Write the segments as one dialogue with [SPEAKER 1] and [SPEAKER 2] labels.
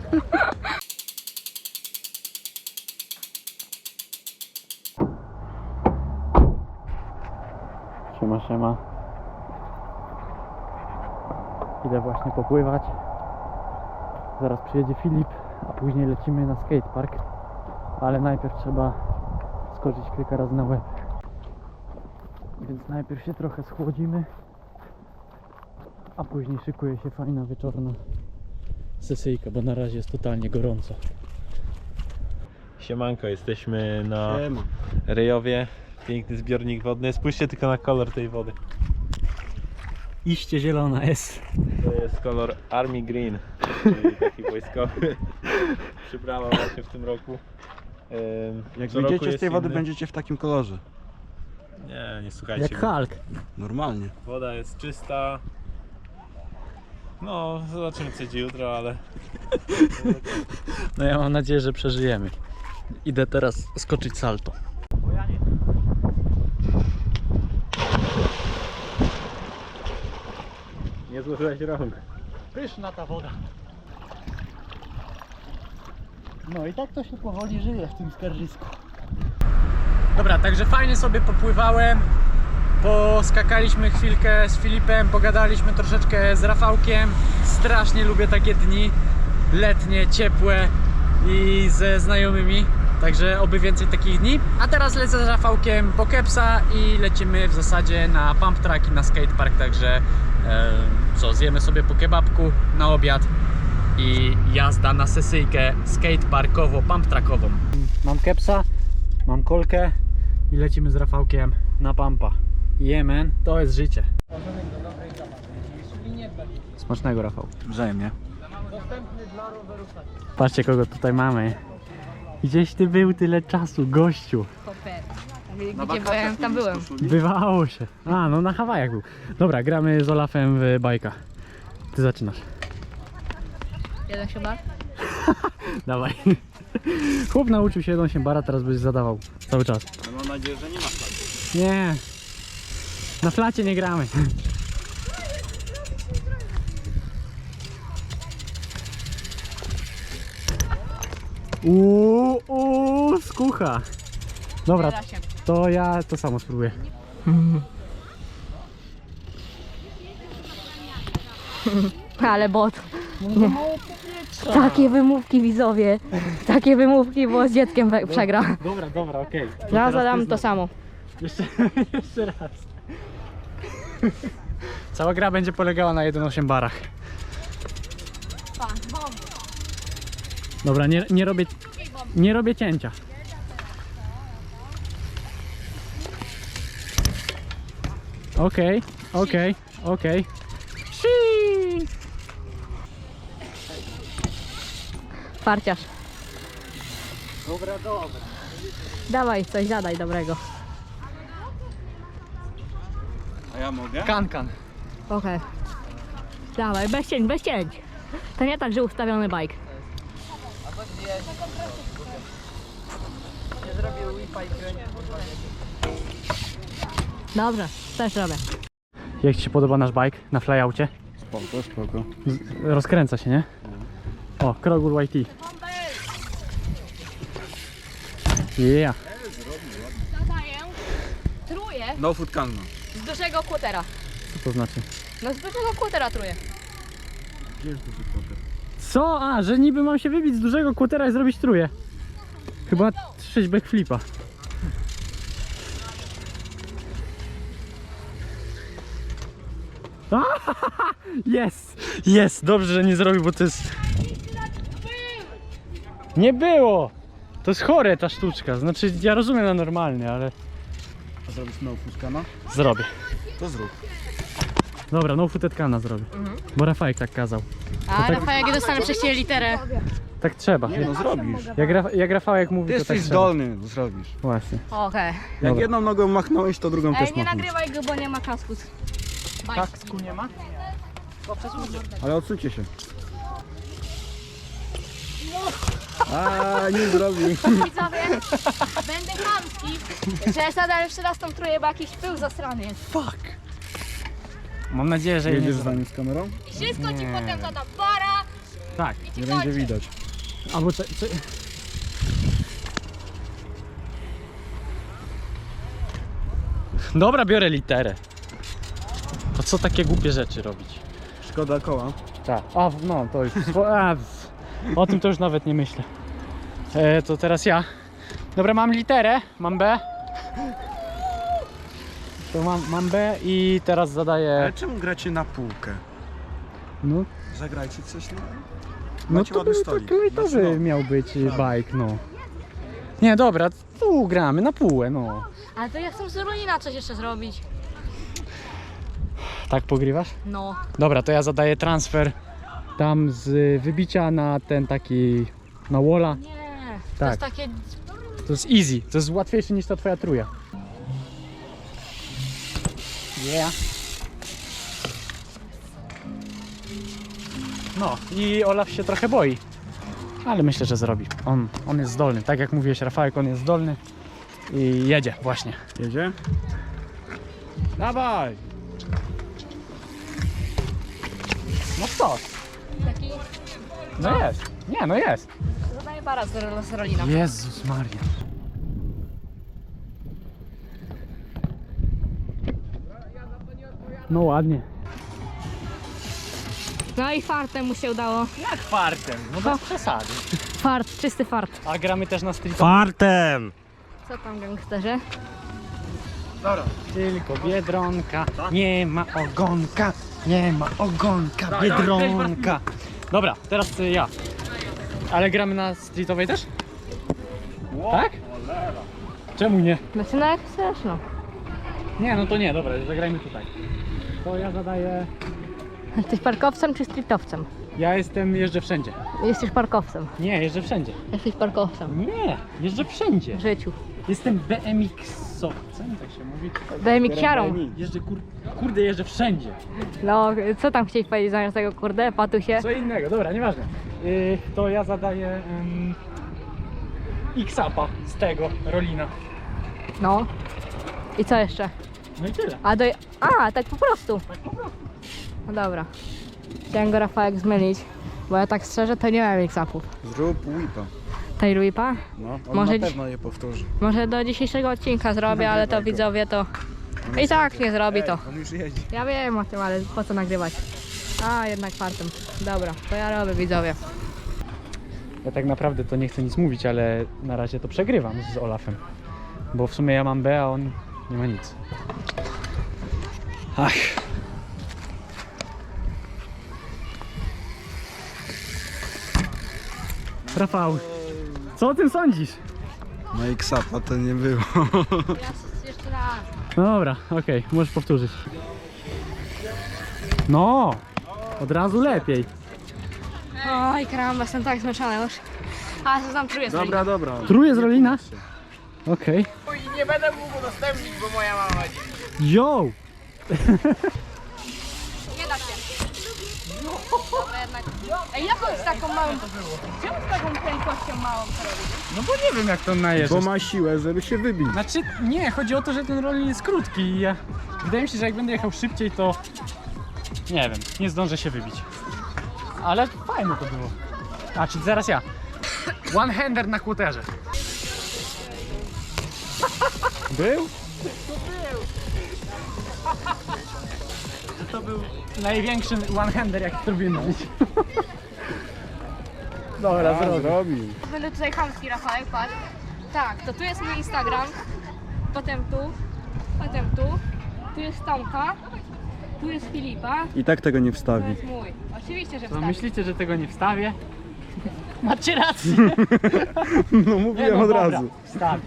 [SPEAKER 1] Siema, siema. Idę właśnie popływać. Zaraz przyjedzie Filip, a później lecimy na skatepark. Ale najpierw trzeba skoczyć kilka razy na łeb. Więc najpierw się trochę schłodzimy, a później szykuje się fajna wieczorna sesyjka, bo na razie jest totalnie gorąco.
[SPEAKER 2] Siemanko, jesteśmy na Rejowie. Piękny zbiornik wodny. Spójrzcie tylko na kolor tej wody.
[SPEAKER 1] Iście zielona jest.
[SPEAKER 2] To jest kolor Army Green, czyli taki wojskowy. Przybrała właśnie w tym roku.
[SPEAKER 3] Jak
[SPEAKER 2] Co roku
[SPEAKER 3] wyjdziecie z
[SPEAKER 2] jest
[SPEAKER 3] tej wody,
[SPEAKER 2] inny.
[SPEAKER 3] będziecie w takim kolorze.
[SPEAKER 2] Nie słuchajcie.
[SPEAKER 1] Jak Hulk.
[SPEAKER 3] Normalnie.
[SPEAKER 2] Woda jest czysta. No, zobaczymy co będzie jutro, ale...
[SPEAKER 1] No ja mam nadzieję, że przeżyjemy. Idę teraz skoczyć salto.
[SPEAKER 2] Nie złożyłeś rąk.
[SPEAKER 1] Pyszna ta woda. No i tak to się powoli żyje w tym skarżysku. Dobra, także fajnie sobie popływałem. Poskakaliśmy chwilkę z Filipem, pogadaliśmy troszeczkę z Rafałkiem. Strasznie lubię takie dni letnie, ciepłe i ze znajomymi. Także oby więcej takich dni. A teraz lecę z Rafałkiem po kepsa i lecimy w zasadzie na pump track i na skatepark. Także co, zjemy sobie po kebabku na obiad i jazda na sesyjkę skateparkowo-pump trackową. Mam kepsa, mam kolkę i lecimy z Rafałkiem na pampa. Jemen, to jest życie. Smacznego, Rafał.
[SPEAKER 3] Wzajemnie.
[SPEAKER 1] Patrzcie, kogo tutaj mamy. Gdzieś ty był tyle czasu, gościu.
[SPEAKER 4] Gdzie byłem, tam byłem.
[SPEAKER 1] Bywało się. A, no na Hawajach był. Dobra, gramy z Olafem w bajka. Ty zaczynasz.
[SPEAKER 4] Jeden się bar?
[SPEAKER 1] Dawaj. Chłop nauczył się 1 bara, teraz byś zadawał cały czas.
[SPEAKER 3] Mam nadzieję, że nie ma flagu.
[SPEAKER 1] Nie. Na flacie nie gramy. Skucha. Dobra, to ja to samo spróbuję.
[SPEAKER 4] Ale bot. Nie. Takie wymówki, widzowie. Takie wymówki, bo z dzieckiem przegra.
[SPEAKER 1] Dobra, okej.
[SPEAKER 4] Ja zadam to samo.
[SPEAKER 1] Jeszcze raz. Cała gra będzie polegała na 1,8 barach. Dobra, nie robię cięcia. Okej.
[SPEAKER 4] Farciarz. Dobra. Dawaj, coś zadaj dobrego.
[SPEAKER 3] A ja mogę?
[SPEAKER 1] Kan.
[SPEAKER 4] Okej. Dawaj, bez cięć. To nie tak, że ustawiony bike. Dobrze, też robię.
[SPEAKER 1] Jak ci się podoba nasz bike na flyaucie?
[SPEAKER 3] Spoko.
[SPEAKER 1] Rozkręca się, nie? O, Krogul YT. Yeah.
[SPEAKER 4] Zadaję truje
[SPEAKER 3] No food canna.
[SPEAKER 4] z dużego kłotera.
[SPEAKER 1] Co to znaczy?
[SPEAKER 4] No z dużego kłotera truje.
[SPEAKER 3] Gdzie jest duży kłoter?
[SPEAKER 1] Co? A, że niby mam się wybić z dużego kłotera i zrobić truje. Chyba 6 backflipa. Jest, dobrze, że nie zrobił, bo to jest... Nie było! To jest chore ta sztuczka, znaczy ja rozumiem na normalnie, ale
[SPEAKER 3] A zrobisz no food canna?
[SPEAKER 1] zrobię.
[SPEAKER 3] To zrób.
[SPEAKER 1] Dobra, no footed kana zrobię, bo Rafałek tak kazał.
[SPEAKER 4] A Rafał, jak dostanę przez ciebie literę.
[SPEAKER 1] Tak trzeba.
[SPEAKER 3] Nie no, zrobisz.
[SPEAKER 1] Jak Rafałek mówi,
[SPEAKER 3] Ty
[SPEAKER 1] to tak
[SPEAKER 3] jesteś
[SPEAKER 1] trzeba.
[SPEAKER 3] zdolny, zrobisz.
[SPEAKER 1] Właśnie.
[SPEAKER 4] Okej.
[SPEAKER 3] Jak
[SPEAKER 1] Dobra.
[SPEAKER 3] jedną nogą machnąłeś, to drugą
[SPEAKER 4] Ej,
[SPEAKER 3] też
[SPEAKER 4] nie
[SPEAKER 3] machnąć.
[SPEAKER 4] nagrywaj go, bo nie ma kasku.
[SPEAKER 1] Kasku nie ma?
[SPEAKER 3] Ale odsuńcie się. A nie zrobił.
[SPEAKER 4] Widzowie, będę chamski, że zadam jeszcze raz tą trójkę, bo jakiś pył zasrany jest.
[SPEAKER 1] Fuck! Mam nadzieję, że jej nie
[SPEAKER 3] Jedziesz z
[SPEAKER 1] zrobię.
[SPEAKER 3] nami z kamerą?
[SPEAKER 4] Wszystko ci potem zadam. Para,
[SPEAKER 1] Tak.
[SPEAKER 3] Nie będzie widać.
[SPEAKER 1] Albo Dobra, biorę literę. To co takie głupie rzeczy robić?
[SPEAKER 3] Szkoda koła.
[SPEAKER 1] Tak. A, no to już. O tym to już nawet nie myślę. To teraz ja. Dobra, mam literę, mam B. To mam B i teraz zadaję.
[SPEAKER 3] Ale czemu gracie na półkę?
[SPEAKER 1] No,
[SPEAKER 3] Zagrajcie coś na...
[SPEAKER 1] no
[SPEAKER 3] Macie
[SPEAKER 1] to
[SPEAKER 3] ładny
[SPEAKER 1] był
[SPEAKER 3] stolik.
[SPEAKER 1] taki lightowy
[SPEAKER 3] Znaczy, no.
[SPEAKER 1] miał być bike, no. Nie, dobra, tu gramy na półę, no.
[SPEAKER 4] Ale to ja chcę z Rolina coś jeszcze zrobić.
[SPEAKER 1] Tak pogrywasz?
[SPEAKER 4] No.
[SPEAKER 1] Dobra, to ja zadaję transfer tam z wybicia na ten taki, na walla.
[SPEAKER 4] Nie. To
[SPEAKER 1] Tak.
[SPEAKER 4] jest takie...
[SPEAKER 1] To jest easy, to jest łatwiejsze niż ta twoja truja. Yeah. No i Olaf się trochę boi, ale myślę, że zrobi. On jest zdolny, tak jak mówiłeś, Rafałek, on jest zdolny i jedzie właśnie.
[SPEAKER 3] Jedzie? Dawaj!
[SPEAKER 1] No co?
[SPEAKER 4] Taki...
[SPEAKER 1] No jest. Nie, no jest.
[SPEAKER 4] Zadaję para z Rolina.
[SPEAKER 1] Jezus Maria. No ładnie.
[SPEAKER 4] No i fartem mu się udało.
[SPEAKER 1] Jak fartem? No bez przesady.
[SPEAKER 4] Fart, czysty fart.
[SPEAKER 1] A gramy też na street.
[SPEAKER 2] Fartem!
[SPEAKER 4] Co tam, gangsterze?
[SPEAKER 1] Dobra. Tylko Biedronka, nie ma ogonka, nie ma ogonka, Biedronka. Dobra, teraz ja. Ale gramy na streetowej też? Tak? Czemu nie?
[SPEAKER 4] Znaczy no jak chcesz, no.
[SPEAKER 1] Nie, no to nie, dobra, zagrajmy tutaj. To ja zadaję...
[SPEAKER 4] Jesteś parkowcem czy streetowcem?
[SPEAKER 1] Ja jeżdżę wszędzie.
[SPEAKER 4] Jesteś parkowcem.
[SPEAKER 1] Nie, jeżdżę wszędzie.
[SPEAKER 4] Jesteś parkowcem.
[SPEAKER 1] Nie, jeżdżę wszędzie.
[SPEAKER 4] W życiu.
[SPEAKER 1] Jestem BMX-owcem, tak się mówi.
[SPEAKER 4] BMX-iarą.
[SPEAKER 1] Jeżdżę, kurde, jeżdżę wszędzie.
[SPEAKER 4] No, co tam chciałeś powiedzieć zamiast tego, kurde, patusie?
[SPEAKER 1] Co innego, dobra, nieważne. To ja zadaję X-Upa z tego, Rolina.
[SPEAKER 4] No. I co jeszcze?
[SPEAKER 1] No i tyle.
[SPEAKER 4] A, tak po prostu.
[SPEAKER 1] Tak po prostu.
[SPEAKER 4] No dobra. Chciałem go, Rafałek, zmylić, bo ja tak szczerze to nie mam mix-upów.
[SPEAKER 3] Zrób whipa.
[SPEAKER 4] Tej Ruipa?
[SPEAKER 3] No, on
[SPEAKER 4] Może
[SPEAKER 3] na pewno je powtórzy.
[SPEAKER 4] Może do dzisiejszego odcinka zrobię, ale to
[SPEAKER 3] Nagrywaj go.
[SPEAKER 4] widzowie to... I tak nie zrobi to.
[SPEAKER 3] On już jedzie.
[SPEAKER 4] Ja wiem o tym, ale po co nagrywać? A, jednak fartem. Dobra, to ja robię, widzowie.
[SPEAKER 1] Ja tak naprawdę to nie chcę nic mówić, ale na razie to przegrywam z Olafem. Bo w sumie ja mam B, a on nie ma nic. Ach. Rafał, co o tym sądzisz?
[SPEAKER 3] No i ksapa to nie było.
[SPEAKER 4] Ja jeszcze raz.
[SPEAKER 1] No dobra, okej, możesz powtórzyć. No, od razu lepiej.
[SPEAKER 4] Oj, karamba, jestem tak zmęczona już. A, co tam czuję?
[SPEAKER 3] Dobra, dobra.
[SPEAKER 1] Truje z Rolina? Okej.
[SPEAKER 5] I nie będę mógł udostępnić, bo moja mama dziś.
[SPEAKER 1] Yo!
[SPEAKER 4] Nie da się. Dobra, jednak. Ej, jaką z taką małą... Czemu z taką prędkością małą to robisz?
[SPEAKER 1] No bo nie wiem jak to najeżdżać.
[SPEAKER 3] Bo ma siłę, żeby się wybić.
[SPEAKER 1] Znaczy, nie, chodzi o to, że ten rolling jest krótki i ja... Wydaje mi się, że jak będę jechał szybciej, to... Nie wiem, nie zdążę się wybić. Ale fajne to było. A, czyli zaraz ja. One-hander na kłoterze. Był? To był największy one-hander, jaki zrobiłem w życiu. Dobra, zrobię.
[SPEAKER 3] Zrobił.
[SPEAKER 4] Będę tutaj chamski, Rafałek, patrz. Tak, to tu jest mój Instagram. Potem tu. Potem tu. Tu jest Tomka. Tu jest Filipa.
[SPEAKER 3] I tak tego nie
[SPEAKER 4] To
[SPEAKER 3] wstawi.
[SPEAKER 4] jest mój. Oczywiście, że
[SPEAKER 1] To
[SPEAKER 4] wstawię.
[SPEAKER 1] myślicie, że tego nie wstawię? Macie rację.
[SPEAKER 3] No
[SPEAKER 1] Nie,
[SPEAKER 3] mówiłem
[SPEAKER 1] no
[SPEAKER 3] od
[SPEAKER 1] dobra,
[SPEAKER 3] razu.
[SPEAKER 1] Wstawię.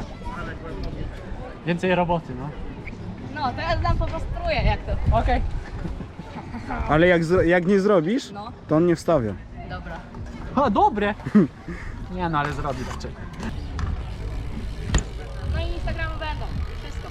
[SPEAKER 1] Więcej roboty, no.
[SPEAKER 4] No, to ja dam po prostu trójkę, jak to.
[SPEAKER 1] Okej.
[SPEAKER 3] Ale jak nie zrobisz,
[SPEAKER 4] No,
[SPEAKER 3] to on nie wstawia.
[SPEAKER 4] dobra.
[SPEAKER 1] A, dobre. Nie no, ale zrobię raczej.
[SPEAKER 4] No i Instagramy będą. Wszystko.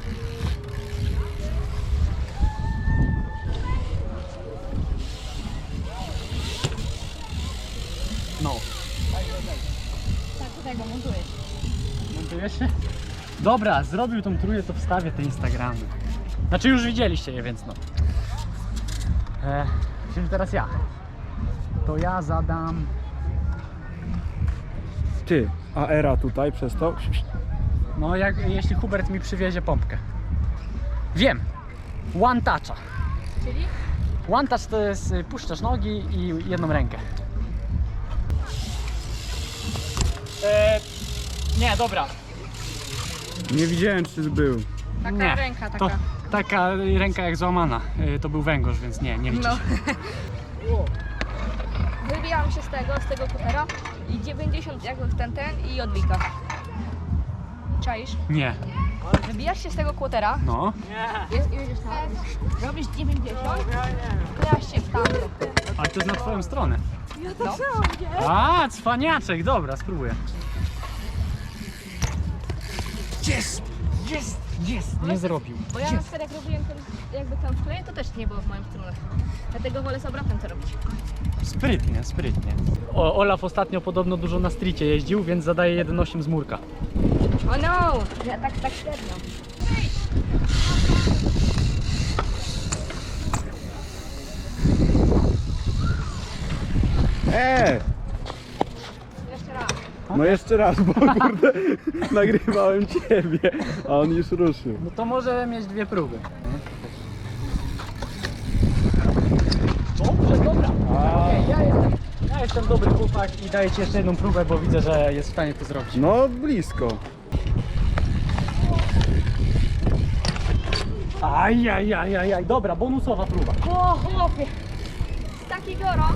[SPEAKER 1] No.
[SPEAKER 4] Tak, tutaj go montujesz.
[SPEAKER 1] Montujesz się? Dobra, zrobił tą trójkę, to wstawię te Instagramy. Znaczy już widzieliście je, więc no. Czyli teraz ja. to ja zadam...
[SPEAKER 3] Ty, a era tutaj przez to?
[SPEAKER 1] No, jeśli Hubert mi przywiezie pompkę. Wiem! One toucha.
[SPEAKER 4] Czyli?
[SPEAKER 1] One touch to jest puszczasz nogi i jedną rękę. Nie, dobra.
[SPEAKER 3] Nie widziałem, czy był.
[SPEAKER 4] Taka
[SPEAKER 1] Nie,
[SPEAKER 4] ręka,
[SPEAKER 1] to
[SPEAKER 4] taka.
[SPEAKER 1] taka ręka jak złamana. To był węgorz, więc nie liczy
[SPEAKER 4] No.
[SPEAKER 1] się.
[SPEAKER 4] Wybijam się z tego kutera i 90 jakby w ten i odbika. Czaisz?
[SPEAKER 1] Nie.
[SPEAKER 4] Wybijasz się z tego kutera,
[SPEAKER 1] No.
[SPEAKER 4] jedziesz tam, robisz 90, wklejasz się w tamto.
[SPEAKER 1] Ale to jest na twoją stronę.
[SPEAKER 4] No.
[SPEAKER 1] A, cwaniaczek, dobra, spróbuję. Jest! Nie zrobił.
[SPEAKER 4] Bo ja na przykład jak robiłem ten, jakby tam wkleję, to też nie było w moją stronę. Dlatego wolę z obrotem to robić.
[SPEAKER 1] Sprytnie, sprytnie. Olaf ostatnio podobno dużo na streetie jeździł, więc zadaje 1,8 z murka.
[SPEAKER 4] O no! Ja tak średnio. Jeszcze raz.
[SPEAKER 3] No jeszcze raz, bo kurde, nagrywałem ciebie, a on już ruszył.
[SPEAKER 1] No to może mieć dwie próby. Dobrze, dobra. Okej, ja jestem dobry chłopak i daję ci jeszcze jedną próbę, bo widzę, że jest w stanie to zrobić.
[SPEAKER 3] No blisko.
[SPEAKER 1] Ajajajajaj, dobra, bonusowa próba.
[SPEAKER 4] O chłopie! Taki gorąc.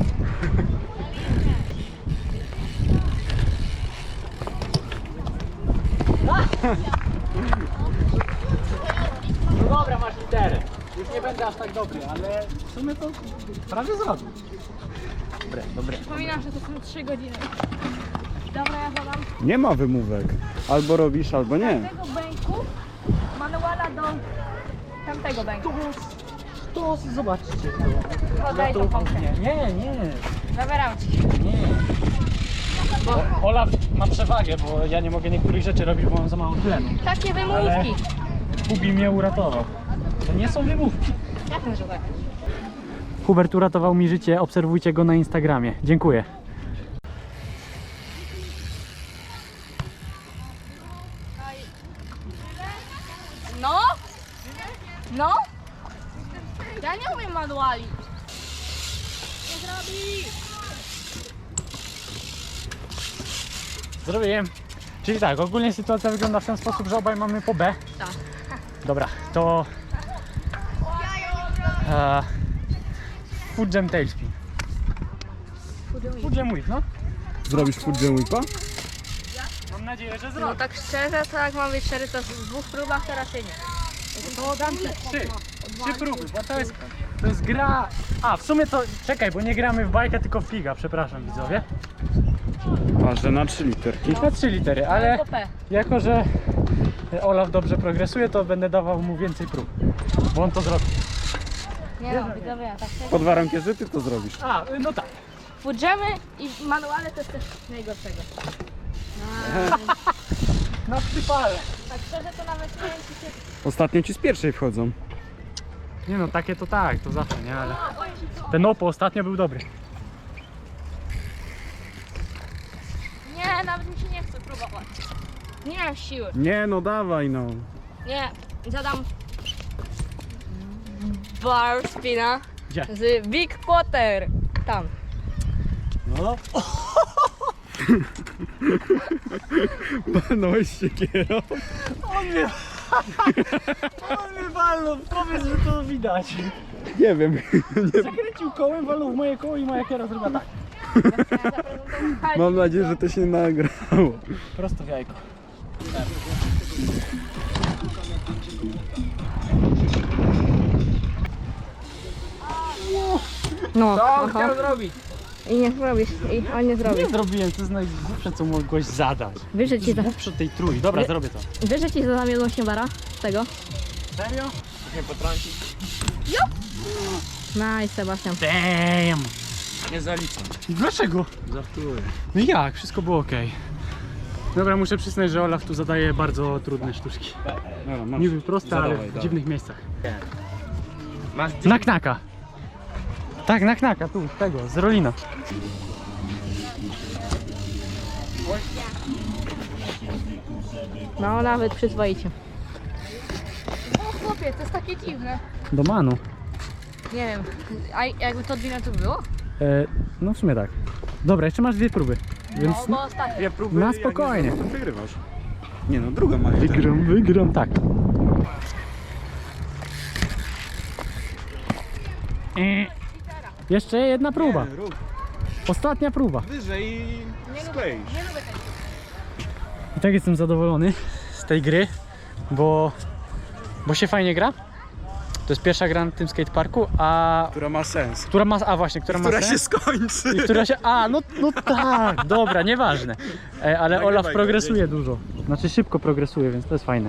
[SPEAKER 1] No dobra, masz literę. Już nie będę aż tak dobry, ale w sumie to prawie zrobił. Dobre.
[SPEAKER 4] Przypominam, że to są 3 godziny. Dobra, ja zadam
[SPEAKER 3] Nie ma wymówek. Albo robisz, albo nie.
[SPEAKER 4] z tego bęku manuala do tamtego bęku.
[SPEAKER 1] To zobaczcie.
[SPEAKER 4] Podaj tą pompkę.
[SPEAKER 1] Nie.
[SPEAKER 4] Zabieram ci.
[SPEAKER 1] Nie. Bo Olaf ma przewagę, bo ja nie mogę niektórych rzeczy robić, bo mam za mało tlenu.
[SPEAKER 4] Takie
[SPEAKER 1] Ale
[SPEAKER 4] wymówki.
[SPEAKER 1] Hubi mnie uratował. To nie są wymówki.
[SPEAKER 4] Jak że tak?
[SPEAKER 1] Hubert uratował mi życie, obserwujcie go na Instagramie. Dziękuję.
[SPEAKER 4] No? No? Ja nie umiem manuali. Nie zrobi.
[SPEAKER 1] Zrobiłem. Czyli tak, ogólnie sytuacja wygląda w ten sposób, że obaj mamy po B.
[SPEAKER 4] Tak.
[SPEAKER 1] Dobra, to... Foot jam tailspin. Foot jam whip, no?
[SPEAKER 3] Zrobisz foot jam whipa?
[SPEAKER 1] Mam nadzieję, że
[SPEAKER 4] No
[SPEAKER 1] zrobię.
[SPEAKER 4] tak szczerze, to jak mam być szczery, to w 2 próbach teraz się nie.
[SPEAKER 1] To dam ci 3 próby, bo to jest gra... A, w sumie to... Czekaj, bo nie gramy w bajkę, tylko w figa, przepraszam widzowie.
[SPEAKER 3] A, że na 3 literki.
[SPEAKER 1] Na 3 litery, ale
[SPEAKER 4] Do P.
[SPEAKER 1] jako, że Olaf dobrze progresuje, to będę dawał mu więcej prób. Bo on to zrobi.
[SPEAKER 4] Nie no, widzowie, tak szczerze.
[SPEAKER 3] Pod warunkiem, że ty to zrobisz.
[SPEAKER 1] A, no tak.
[SPEAKER 4] Foodjamy i manuale to jest też najgorszego.
[SPEAKER 1] Na przypale.
[SPEAKER 4] Tak szczerze, to nawet nie wiem, czy się...
[SPEAKER 3] Ostatnio ci z pierwszej wchodzą.
[SPEAKER 1] Nie no, takie to tak, to zawsze, nie? Ale ten Oppo ostatnio był dobry.
[SPEAKER 4] Nie, nawet mi się nie chce próbować. Nie mam siły.
[SPEAKER 3] Nie no, dawaj no.
[SPEAKER 4] Nie, zadam bar spina
[SPEAKER 1] Gdzie?
[SPEAKER 4] z Big Potter. Tam.
[SPEAKER 1] No.
[SPEAKER 3] Palnąłeś się kierą.
[SPEAKER 1] On mnie walnął, powiedz, że to widać.
[SPEAKER 3] Nie wiem.
[SPEAKER 1] Zakręcił kołem, walnął w moje koło i moja kiera zrobiła tak.
[SPEAKER 3] Mam nadzieję, że to się nagrało.
[SPEAKER 1] Prosto w jajko.
[SPEAKER 4] No,
[SPEAKER 5] Co chciał zrobić?
[SPEAKER 4] I nie zrobisz, i on nie zrobi.
[SPEAKER 1] Nie zrobiłem, to jest najgłupsze, co mogłeś zadać.
[SPEAKER 4] Wiesz, że ci,
[SPEAKER 1] Głupsze tej trój. Dobra, zrobię to.
[SPEAKER 4] wiesz, że ci zadam jedną śniadara z tego?
[SPEAKER 1] Serio?
[SPEAKER 5] Nie potrącić.
[SPEAKER 4] Nice, Sebastian.
[SPEAKER 1] Damn!
[SPEAKER 5] Nie zaliczam.
[SPEAKER 1] Dlaczego?
[SPEAKER 5] Żartuję.
[SPEAKER 1] No jak? Wszystko było ok. Dobra, muszę przyznać, że Olaf tu zadaje bardzo trudne sztuczki.
[SPEAKER 3] Dobra, masz.
[SPEAKER 1] Niby proste, ale
[SPEAKER 3] Zadawaj,
[SPEAKER 1] w
[SPEAKER 3] dawaj.
[SPEAKER 1] dziwnych miejscach.
[SPEAKER 5] Masz
[SPEAKER 1] Na knaka. Tak, na knaka, tu, tego, z Rolina.
[SPEAKER 4] No nawet przyzwoicie. O chłopie, to jest takie dziwne.
[SPEAKER 1] Do Manu.
[SPEAKER 4] Nie wiem, a jakby to 2 minuty było?
[SPEAKER 1] No w sumie tak. Dobra, jeszcze masz 2 próby. Więc
[SPEAKER 4] No bo ostatnio.
[SPEAKER 3] Dwie próby,
[SPEAKER 1] Na
[SPEAKER 3] jak nie
[SPEAKER 1] spokojnie.
[SPEAKER 3] zrobisz, to wygrywasz. Nie no, druga ma.
[SPEAKER 1] wygram, tak. Jeszcze jedna próba.
[SPEAKER 3] Nie, rób
[SPEAKER 1] Ostatnia próba.
[SPEAKER 3] wyżej i skleisz.
[SPEAKER 4] Nie lubię tego.
[SPEAKER 1] I tak jestem zadowolony z tej gry, bo się fajnie gra. To jest pierwsza gra na tym skateparku, a
[SPEAKER 3] Która ma sens.
[SPEAKER 1] która ma, która ma
[SPEAKER 3] Która
[SPEAKER 1] sens?
[SPEAKER 3] się skończy.
[SPEAKER 1] I która się, no tak, dobra, nieważne. Ale
[SPEAKER 3] Nagrywaj
[SPEAKER 1] Olaf
[SPEAKER 3] go,
[SPEAKER 1] progresuje dużo. Znaczy szybko progresuje, więc to jest fajne.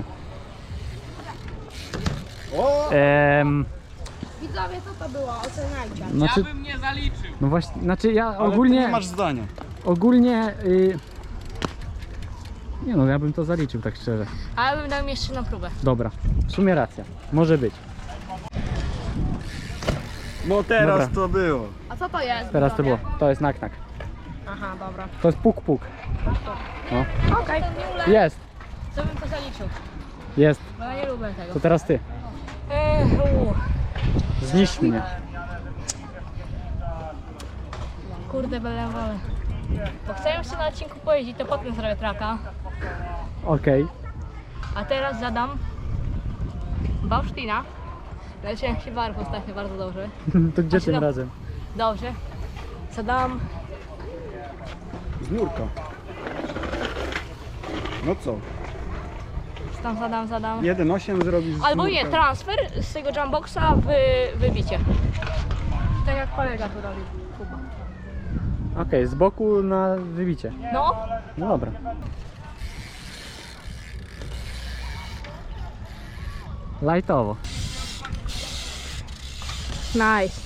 [SPEAKER 3] O!
[SPEAKER 4] Widzowie, co to było? Oceniajcie.
[SPEAKER 1] Znaczy,
[SPEAKER 5] Ja bym nie zaliczył.
[SPEAKER 1] no właśnie, znaczy ja
[SPEAKER 3] Ale
[SPEAKER 1] ogólnie,
[SPEAKER 3] ty nie masz zdania.
[SPEAKER 1] nie no, ja bym to zaliczył tak szczerze.
[SPEAKER 4] A ja bym dał mi jeszcze na próbę.
[SPEAKER 1] Dobra, w sumie racja, może być.
[SPEAKER 3] No teraz
[SPEAKER 1] Dobra.
[SPEAKER 3] to było.
[SPEAKER 4] A co to jest?
[SPEAKER 1] Teraz to
[SPEAKER 4] widzowie?
[SPEAKER 1] było, to jest nak.
[SPEAKER 4] Aha, dobra.
[SPEAKER 1] To jest puk.
[SPEAKER 4] Okej.
[SPEAKER 1] Jest,
[SPEAKER 4] Co bym to zaliczył?
[SPEAKER 1] jest,
[SPEAKER 4] Bo ja nie lubię tego.
[SPEAKER 1] to teraz ty. Zniszcz mnie.
[SPEAKER 4] Kurde, byle wolę. Bo chcę jeszcze na odcinku pojeździć, to potem zrobię traka.
[SPEAKER 1] Okej.
[SPEAKER 4] A teraz zadam Bausztina. Leciałem się barw ostatnio bardzo dobrze.
[SPEAKER 1] To gdzie
[SPEAKER 4] A się
[SPEAKER 1] tym
[SPEAKER 4] da-
[SPEAKER 1] razem?
[SPEAKER 4] Dobrze. Zadam
[SPEAKER 3] Z nurka. No co?
[SPEAKER 4] zadam.
[SPEAKER 3] 1,8 zrobisz z
[SPEAKER 4] Albo nie,
[SPEAKER 3] nurka.
[SPEAKER 4] transfer z tego jumboxa w wybicie. Tak jak kolega tu robi. Kuba.
[SPEAKER 1] Okej, z boku na wybicie.
[SPEAKER 4] No,
[SPEAKER 1] No dobra. Lightowo.
[SPEAKER 4] nice.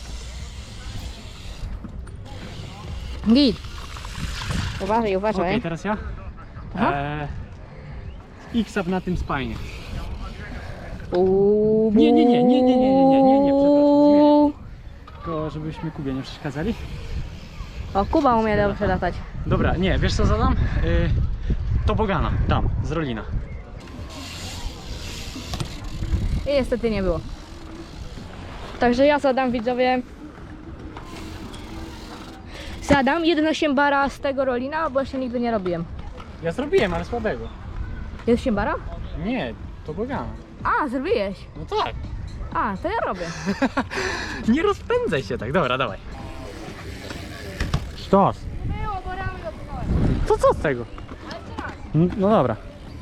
[SPEAKER 4] Git. Uważaj,
[SPEAKER 1] Okej, teraz ja.
[SPEAKER 4] Aha.
[SPEAKER 1] X-up na tym spajnie.
[SPEAKER 4] Uuu.
[SPEAKER 1] Nie, przepraszam, Tylko żebyśmy Kubie nie przeszkadzali.
[SPEAKER 4] O, Kuba umie dobrze latać.
[SPEAKER 1] Dobra, nie, wiesz co zadam? Tobogana, tam, z Rolina.
[SPEAKER 4] I niestety nie było. Także ja zadam, widzowie. Zadam 1,8 bara z tego Rolina, bo jeszcze nigdy nie robiłem.
[SPEAKER 1] Ja zrobiłem, ale słabego.
[SPEAKER 4] 1,8 bara?
[SPEAKER 1] Nie, tobogana.
[SPEAKER 4] A, zrobiłeś.
[SPEAKER 1] No tak.
[SPEAKER 4] A, to ja robię.
[SPEAKER 1] Nie rozpędzaj się tak, dobra, dawaj. Sztos.
[SPEAKER 4] Było, bo ramy dopłynąłem.
[SPEAKER 1] To co z tego?
[SPEAKER 4] Ale teraz.
[SPEAKER 1] No dobra.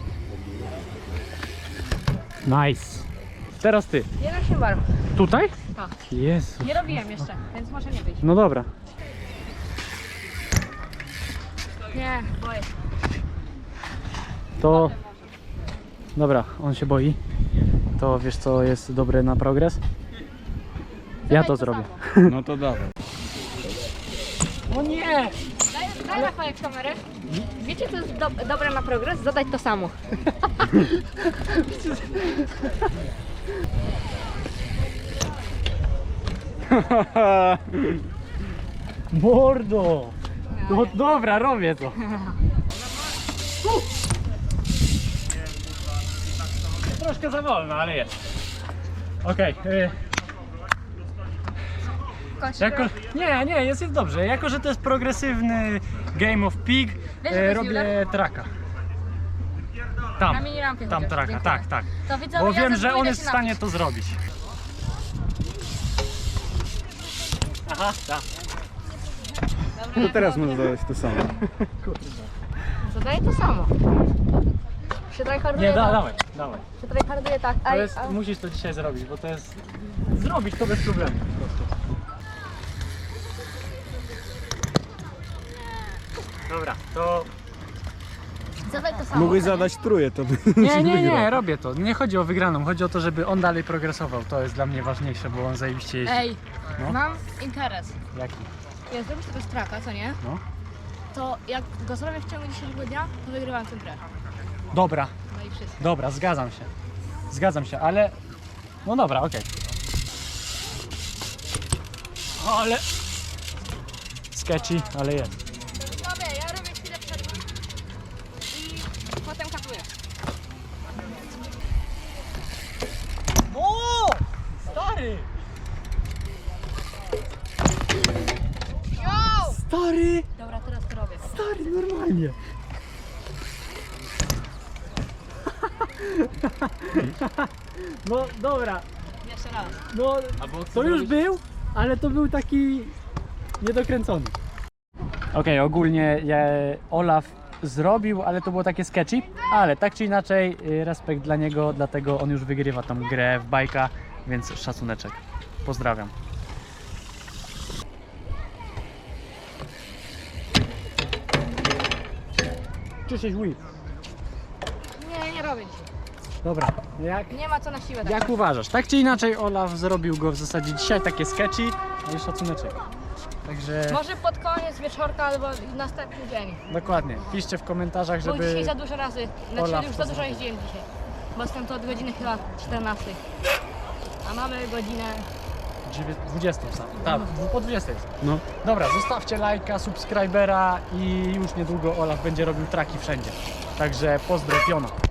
[SPEAKER 1] Nice. Teraz ty.
[SPEAKER 4] 1,8 bara.
[SPEAKER 1] Tutaj?
[SPEAKER 4] Tak.
[SPEAKER 1] Jezu.
[SPEAKER 4] Nie robiłem jeszcze, więc może nie być.
[SPEAKER 1] No dobra.
[SPEAKER 4] Nie, boję.
[SPEAKER 1] To... Dobra, on się boi. To wiesz co jest dobre na progres? Ja to zrobię.
[SPEAKER 3] No to dawaj.
[SPEAKER 1] O nie!
[SPEAKER 4] Daj Rafałek kamerę. Wiecie co jest dobre na progres? Zadać to samo.
[SPEAKER 1] Mordo! No dobra, robię to. Troszkę za wolno, ale jest. Okej. Jako, nie, jest dobrze. Jako, że to jest progresywny Game of Pig,
[SPEAKER 4] Wiesz, że to jest
[SPEAKER 1] robię
[SPEAKER 4] Euler?
[SPEAKER 1] traka. Tam,
[SPEAKER 4] Na minirampie
[SPEAKER 1] tam
[SPEAKER 4] chociaż,
[SPEAKER 1] traka,
[SPEAKER 4] dziękuję.
[SPEAKER 1] tak.
[SPEAKER 4] To widzowie,
[SPEAKER 1] Bo
[SPEAKER 4] ja
[SPEAKER 1] wiem,
[SPEAKER 4] za
[SPEAKER 1] że
[SPEAKER 4] chwilę
[SPEAKER 1] on jest w
[SPEAKER 4] się
[SPEAKER 1] stanie
[SPEAKER 4] napisz.
[SPEAKER 1] to zrobić. Aha, tak.
[SPEAKER 3] To teraz możesz zadać to samo.
[SPEAKER 4] Zadaję to samo. Się tryharduje
[SPEAKER 1] Nie,
[SPEAKER 4] tak.
[SPEAKER 1] dawaj.
[SPEAKER 4] Się tryharduje tak.
[SPEAKER 1] To
[SPEAKER 4] Aj,
[SPEAKER 1] jest, musisz to dzisiaj zrobić, bo to jest... Zrobić to bez problemu po prostu. Dobra, to...
[SPEAKER 4] Zadaj to samo.
[SPEAKER 3] Mógłbyś zadać trójkę, to by
[SPEAKER 1] Nie, robię to. Nie chodzi o wygraną, chodzi o to, żeby on dalej progresował. To jest dla mnie ważniejsze, bo on zajebiście jeździ.
[SPEAKER 4] Ej,
[SPEAKER 1] No.
[SPEAKER 4] mam interes.
[SPEAKER 1] Jaki?
[SPEAKER 4] Jak zrobisz tego straka, co nie?
[SPEAKER 1] No.
[SPEAKER 4] To jak go zrobię w ciągu dzisiejszego dnia, to wygrywam tę grę.
[SPEAKER 1] Dobra,
[SPEAKER 4] No i wszystko.
[SPEAKER 1] dobra, zgadzam się, ale... No dobra, okej. Ale... sketchy, ale jest.
[SPEAKER 4] Dobra, ja robię chwilę przerwy i potem katuję.
[SPEAKER 1] O! Stary!
[SPEAKER 4] Yo!
[SPEAKER 1] Stary!
[SPEAKER 4] Dobra, teraz to robię.
[SPEAKER 1] Stary, normalnie. No dobra,
[SPEAKER 4] Jeszcze raz.
[SPEAKER 1] no to już był, ale to był taki niedokręcony. Okej, ogólnie Olaf zrobił, ale to było takie sketchy, ale tak czy inaczej respekt dla niego, dlatego on już wygrywa tą grę w bajka, więc szacuneczek. Pozdrawiam. Czyszczeć whip.
[SPEAKER 4] Nie robię dzisiaj.
[SPEAKER 1] Dobra, jak
[SPEAKER 4] Nie ma co na siłę. Tak.
[SPEAKER 1] Jak uważasz? Tak czy inaczej Olaf zrobił go w zasadzie dzisiaj, takie sketchy, no i szacuneczek. Także
[SPEAKER 4] Może pod koniec wieczorka albo następny dzień.
[SPEAKER 1] dokładnie, piszcie w komentarzach,
[SPEAKER 4] Bo
[SPEAKER 1] żeby...
[SPEAKER 4] dzisiaj za dużo razy,
[SPEAKER 1] Olaf
[SPEAKER 4] znaczy już za
[SPEAKER 1] to
[SPEAKER 4] dużo
[SPEAKER 1] zrobił.
[SPEAKER 4] jeździłem dzisiaj. Bo jestem tu od godziny chyba 14. A mamy godzinę...
[SPEAKER 1] 20 sam. Tak, po 20 jest.
[SPEAKER 3] No.
[SPEAKER 1] Dobra, zostawcie lajka, subskrybera i już niedługo Olaf będzie robił traki wszędzie. Także pozdrowiona.